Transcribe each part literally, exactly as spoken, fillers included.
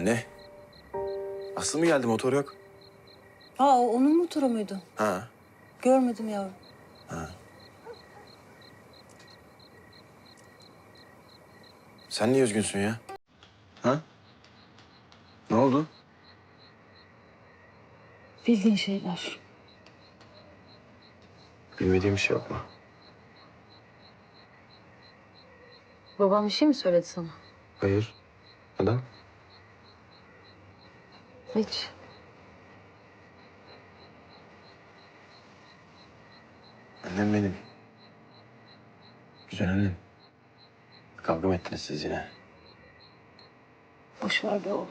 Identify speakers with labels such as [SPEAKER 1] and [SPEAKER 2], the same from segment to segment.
[SPEAKER 1] Anne. Aslı mı geldi? Motor yok.
[SPEAKER 2] Aa, o onun motoru muydu?
[SPEAKER 1] Ha.
[SPEAKER 2] Görmedim yavrum.
[SPEAKER 1] Ha. Sen niye üzgünsün ya? Ha? Ne oldu?
[SPEAKER 2] Bildiğin şeyler.
[SPEAKER 1] Bilmediğim bir şey yok mu?
[SPEAKER 2] Babam bir şey mi söyledi sana?
[SPEAKER 1] Hayır. Neden?
[SPEAKER 2] Hiç.
[SPEAKER 1] Annem benim. Güzel annem. Kavga mı ettiniz siz yine?
[SPEAKER 2] Boş ver be oğlum.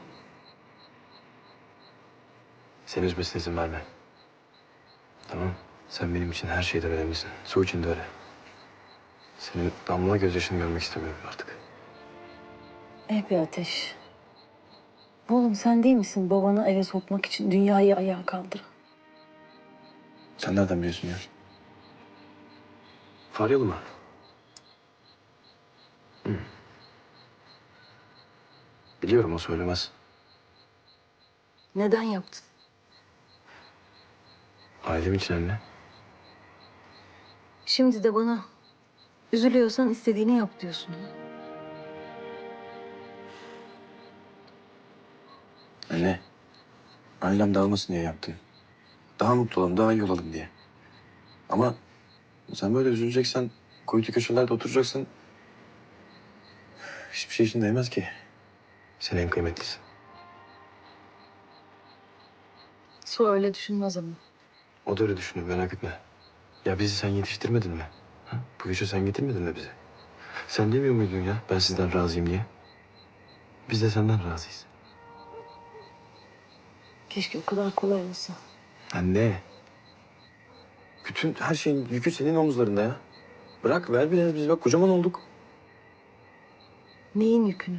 [SPEAKER 1] Seni üzmesine izin verme. Tamam. Sen benim için her şeyden önemlisin. Su için de öyle. Senin damla gözyaşını görmek istemiyorum artık.
[SPEAKER 2] Eh be Ateş. Oğlum sen değil misin babanı eve sokmak için dünyayı ayağa kaldıran?
[SPEAKER 1] Sen nereden biliyorsun ya? Faryalı mı? Hı. Biliyorum, o söylemez.
[SPEAKER 2] Neden yaptın?
[SPEAKER 1] Ailem için anne.
[SPEAKER 2] Şimdi de bana üzülüyorsan istediğini yap diyorsun.
[SPEAKER 1] Anne. Ailem dağılmasın diye yaptım. Daha mutlu olalım, daha iyi olalım diye. Ama sen böyle üzüleceksen, kuytu köşelerde oturacaksın. Hiçbir şey için değmez ki. Sen en kıymetlisin.
[SPEAKER 2] Su öyle düşünmez ama.
[SPEAKER 1] O da öyle düşünüyor, merak etme. Ya bizi sen yetiştirmedin mi? Ha? Bu işe sen getirmedin mi bizi? Sen demiyor muydun ya ben sizden razıyım diye? Biz de senden razıyız.
[SPEAKER 2] Keşke o kadar kolay olsa.
[SPEAKER 1] Anne. Bütün her şeyin yükü senin omuzlarında ya. Bırak ver biraz, biz bak kocaman olduk.
[SPEAKER 2] Neyin yükünü?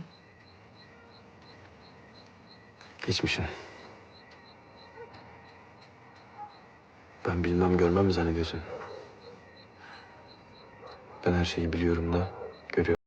[SPEAKER 1] Geçmişin. Ben bilmem görmem mi zannediyorsun? Ben her şeyi biliyorum da görüyorum.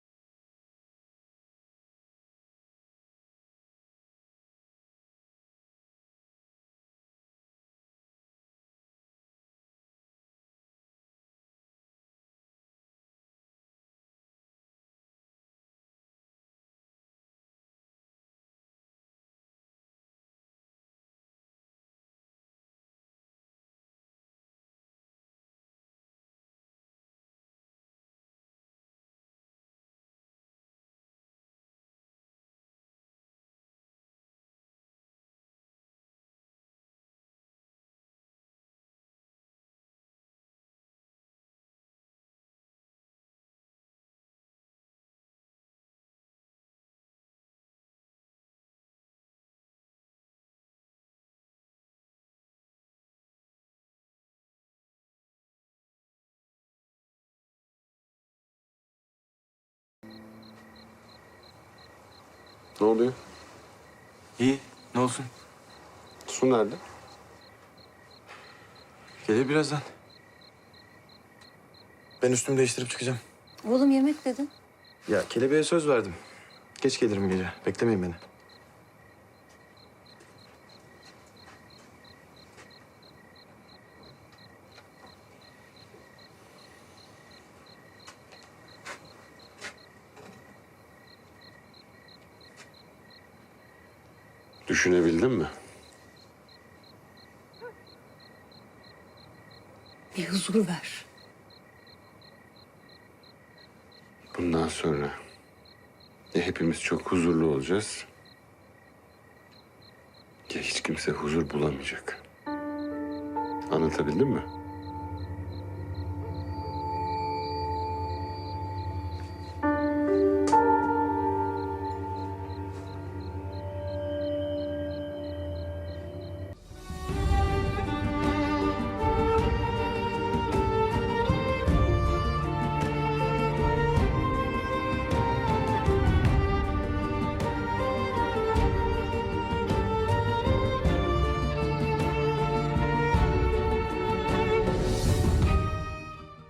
[SPEAKER 3] Ne oluyor?
[SPEAKER 1] İyi, ne olsun?
[SPEAKER 3] Su nerede?
[SPEAKER 1] Gelir birazdan. Ben üstümü değiştirip çıkacağım.
[SPEAKER 2] Oğlum yemek dedin.
[SPEAKER 1] Ya kelebeğe söz verdim. Geç gelirim gece. Beklemeyin beni.
[SPEAKER 3] Düşünebildin mi?
[SPEAKER 2] Bir huzur ver.
[SPEAKER 3] Bundan sonra ya hepimiz çok huzurlu olacağız ya hiç kimse huzur bulamayacak. Anlatabildim mi?